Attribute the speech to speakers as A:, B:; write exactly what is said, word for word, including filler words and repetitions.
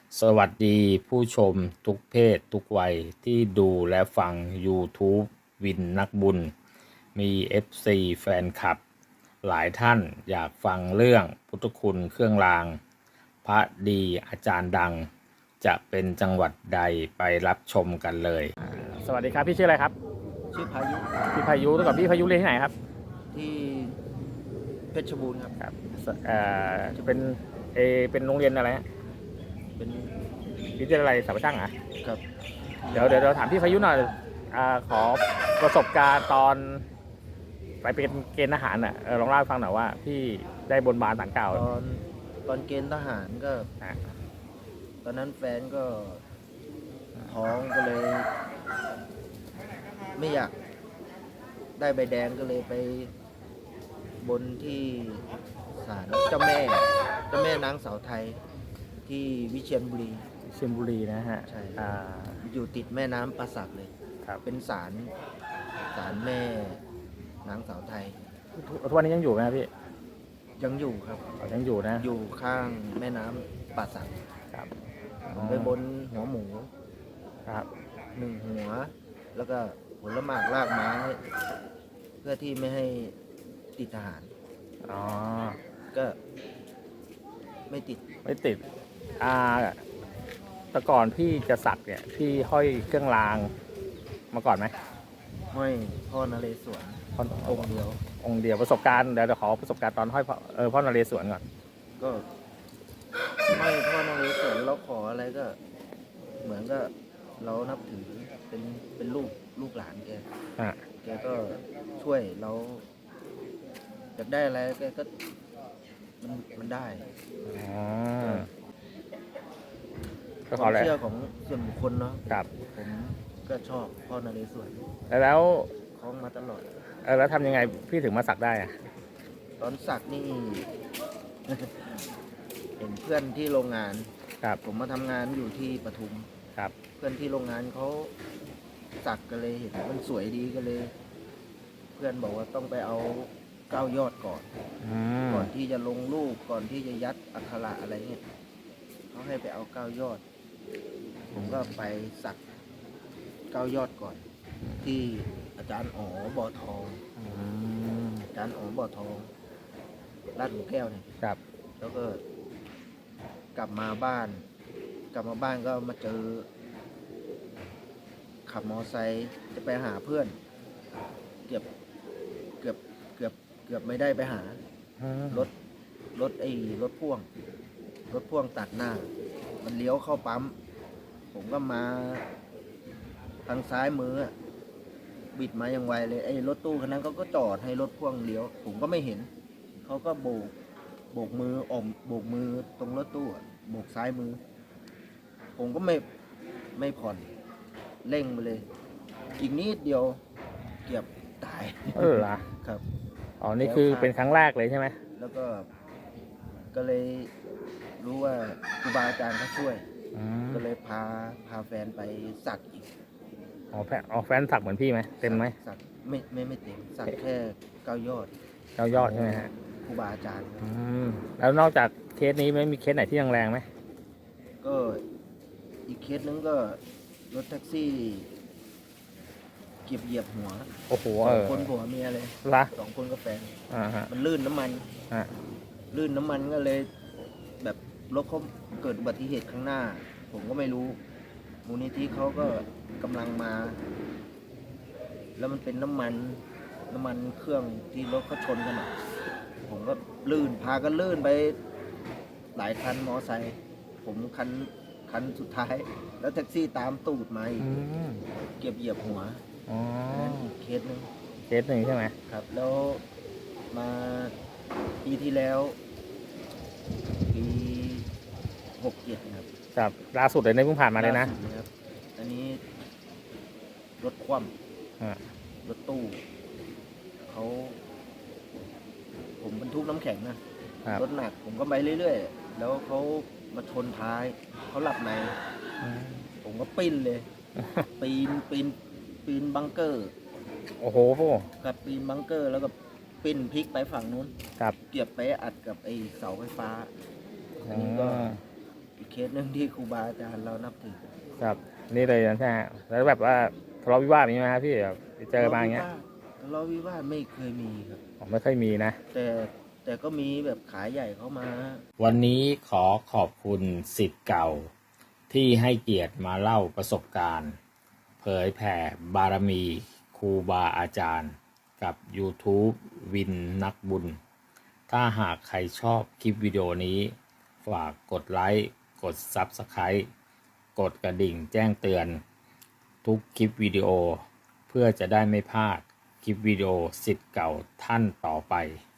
A: สวัสดีผู้ชมทุกเพศทุกวัยที่ดูและฟัง YouTube วินนักบุญ มี เอฟ ซี แฟนคลับ หลายท่านอยากฟังเรื่องพุทธคุณเครื่องราง พระดีอาจารย์ดัง จะเป็นจังหวัดใดไปรับชมกันเลย สวัสดีครับ พี่ชื่ออะไรครับ
B: ชื่อพายุ
A: พี่พายุแล้วกับพี่พายุเรียนที่ไหนครับ
B: ที่เพชรบูรณ์ครับ
A: ครับเอ่อจะเป็นเอเป็นโรงเรียนอะไรฮะ
B: เป็น
A: วิทยาลัยสารช่างเหรอ่ะ
B: ครับ
A: เดี๋ยวเดี๋ยวเราถามพี่พายุหน่อยอ่าขอประสบการณ์ตอนไปเป็นเกณฑ์ทหารอ่ะเออลองเล่าให้ฟังหน่อยว่าพี่ได้บนบานสารกล่าว
B: ตอนตอนเกณฑ์ทหารก็
A: อ่ะ
B: ตอนนั้นแฟนก็ท้องก็เลย ไม่อยากได้ใบแดงก็เลยไปบนที่ศาลเจ้าแม่เจ้าแม่นางสาวไทยที่วิเชียรบุรี
A: เชียงบุรีนะฮะ
B: ใช่
A: อ่า
B: อยู่ติดแม่น้ำป่าสักเลย
A: ครับ
B: เป็นศาลศาลแม่นางสาวไทย
A: ทุกทุกวันนี้ยังอยู่ไหมครับพี่
B: ยังอยู่ครับ
A: อ๋อยังอยู่นะ
B: อยู่ข้างแม่น้ำป่าสัก
A: ครับ
B: ผมไปบนหัวหมู
A: ครับ
B: หนึ่งหัว แล้วก็ผลหมากรากไม้ เพื่อที่ไม่ให้ติดทหาร
A: อ๋อ
B: ก็ไม่ติด
A: ไม่ติดอ่าแต่ก่อนพี่จะสักเนี่ยพี่ห้อยเครื่องรางมาก่อนไหม
B: ห้อยพ่อนเรศวร
A: พ่อ
B: องค์เดียว
A: องค์เดียวประสบการณ์เดี๋ยวเดี๋ยวขอประสบการณ์ตอนห้อยพ่อเออพ่อนเรศวรก่อน
B: ก็ห้อยพ่อนเรศวรเราขออะไรก็ เหมือนก็เรานับถือเป็นเป็นลูกลูกหลานแก
A: อ่ะ
B: แกก็ช่วยเราอยากได้อะไรแกก็มันมันได้
A: อ๋อ
B: ค
A: ก็ขอ
B: วาม
A: แล้ว
B: เชื่อของส่วนบุคคลเนาะ
A: ครับ
B: ผมก็ชอบพ่อนเรศวร
A: แล้ว
B: คล้องมาตลอด
A: เออแล้วทำยังไงพี่ถึงมาสักได้อะ
B: ตอนสักนี่ เห็นเพื่อนที่โรงงาน
A: ครับ
B: ผมมาทำงานอยู่ที่ปทุม
A: ครับ
B: เพื่อนที่โรงงานเขาสักกันเลยเห็นมันสวยดีก็เลย เพื่อนบอกว่าต้องไปเอาเก้ายอดก่อน
A: อืม
B: ก่อนที่จะลงรูปก่อนที่จะยัดอักขระอะไรเงี้ยเขาให้ไปเอาเก้ายอด ผมก็ไปสักเก้ายอดก่อน ที่อาจารย์อ๋อบ่อทอง
A: อืม
B: อาจารย์อ๋อบ่อทองลาดหลุมแก้วเนี่ย
A: ครับ
B: แล้วก็กลับมาบ้าน กลับมาบ้านก็มาเจอ ขับมอไซค์จะไปหาเพื่อน เกือบเกือบเกือบเกือบไม่ได้ไปหา
A: อืม
B: รถรถไอ้รถพ่วง รถพ่วงตัดหน้า มันเลี้ยวเข้าปั๊ม ผมก็มาทางซ้ายมืออะบิดมาอย่างไวเลยไอ้รถตู้คันนั้นเขาก็จอดให้รถพ่วงเลี้ยว ผมก็ไม่เห็น เขาก็โบกโบกมืออมโบกมือตรงรถตู้อะโบกซ้ายมือ ผมก็ไม่ไม่ผ่อนเร่งไปเลย อีกนิดเดียวเกือบตาย
A: เออเหรอ
B: ครับ
A: อ๋อนี่คือเป็นครั้งแรกเลยใช่ไหม
B: แล้วก็ก็เลยรู้ว่าครูบาอาจารย์เขาช่วย
A: อืม
B: ก็เลยพาพาแฟนไปสักอีก
A: อ๋อแฟนอ๋อแฟนสักเหมือนพี่ไหมเต็มไหม
B: สักไม่ไม่ไม่เต็มสักแค่เก้ายอด
A: เก้ายอดใช่ไหมฮะ
B: ครูบาอาจารย์ครับ
A: อืมแล้วนอกจากเคสนี้ไม่มีเคสไหนที่แรงๆไหม
B: ก็อีกเคสนึงก็รถแท็กซี่เก็บเหยียบหัว
A: โอ้โห
B: ส
A: เอ
B: อง
A: อ
B: คนผัวเมียเลย
A: ละ
B: สองคนกับแฟน
A: อ่าฮะ
B: มันลื่นน้ำมัน
A: อ่า
B: ลื่นน้ำมันก็เลย แบบรถเขาเกิดอุบัติเหตุข้างหน้า ผมก็ไม่รู้ มูลนิธิเขาก็กำลังมา แล้วมันเป็นน้ำมัน น้ำมันเครื่องที่รถเขาชนกันอะผมก็ลื่นพากันลื่นไป หลายคันมอไซค์ผมคันคันสุดท้าย แล้วแท็กซี่ตามตูดมาอีก
A: อืม
B: เก็บเหยียบหัว
A: อ๋อ
B: อันนั้นอีกเคสหนึง
A: เคสหนึ่งใช่ไหม
B: ครับ แล้วมาปีที่แล้วปีหกเจ็ดครับ
A: ครับล่าสุดเลยในเพิ่งผ่านมาเลยนะ
B: ล่สุดครับ อันนี้รถคว่
A: อ่า
B: ำรถตู้ เขา ผมบรรทุกน้ำแข็งนะ
A: ครับ
B: รถหนัก ผมก็ไปเรื่อยๆ แล้วเขามาชนท้าย เขาหลับใน
A: อืม
B: ผมก็ปิ้นเลย ปีนปีนปีนบังเกอร์
A: โอ้โห
B: กับปีนบังเกอร์ แล้วก็ปิ้นพลิกไปฝั่งนู้น
A: ครับ
B: เกียบไปอัดกับไอ้เสาไฟฟ้า อันนี้ก็
A: อืม
B: อีกเคสหนึ่งที่ครูบาอาจารย์เรานับถือ
A: ครับนี่เลยนะใช่ไหมแล้วแบบว่าทะเลาะวิวาทมีไหมครับพี่แบบไปเจอมาอย่างเงี้ย
B: ทะเลาะวิวาทไม่เคยมีครับ
A: ผมไม่ค่อยมีนะ
B: แต่แต่ก็มีแบบขายใหญ่เข้ามา
A: วันนี้ขอขอบคุณศิษย์เก่า ที่ให้เกียรติมาเล่าประสบการณ์ เผยแผ่บารมีครูบาอาจารย์ กับ YouTube วินนักบุญ ถ้าหากใครชอบคลิปวิดีโอนี้ ฝากกดไลค์ กด Subscribe กดกระดิ่งแจ้งเตือน ทุกคลิปวิดีโอ เพื่อจะได้ไม่พลาดคลิปวิดีโอศิษย์เก่าท่านต่อไป